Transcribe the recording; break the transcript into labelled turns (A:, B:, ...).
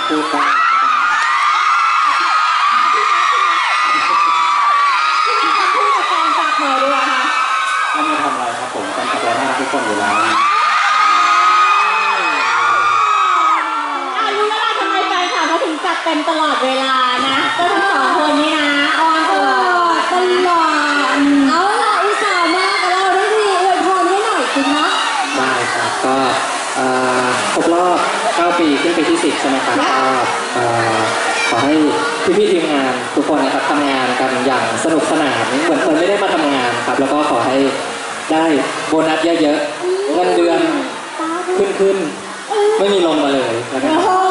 A: พูดบ้าง
B: พูดกับแฟนฝากหน่อยดีกว่าค่ะ
A: ไม่มาทำอะไรครับผมแฟนคลับเราน่ารักทุกคนอยู่แล้ว
B: รู้แล้วล่ะทำไมแฟนคลับเขาถึงจัดเต็มตลอดเวลานะก็ทั้งสองคนนี้นะออนตลอดเอาล่ะอุตส่าห์มากับเราทั้งทีอวยพรให้หน่อยสิคะ
A: ได้ครับก็ครบรอบ9 ปีขึ้นปีที่10ใช่ไหมครับก็ขอให้พี่ๆทีมงานทุกคนนะครับทำงานกันอย่างสนุกสนานเหมือนไม่ได้มาทำงานครับแล้วก็ขอให้ได้โบนัสเยอะๆเงินเดือนขึ้นไม่มีลงมาเลยนะครับ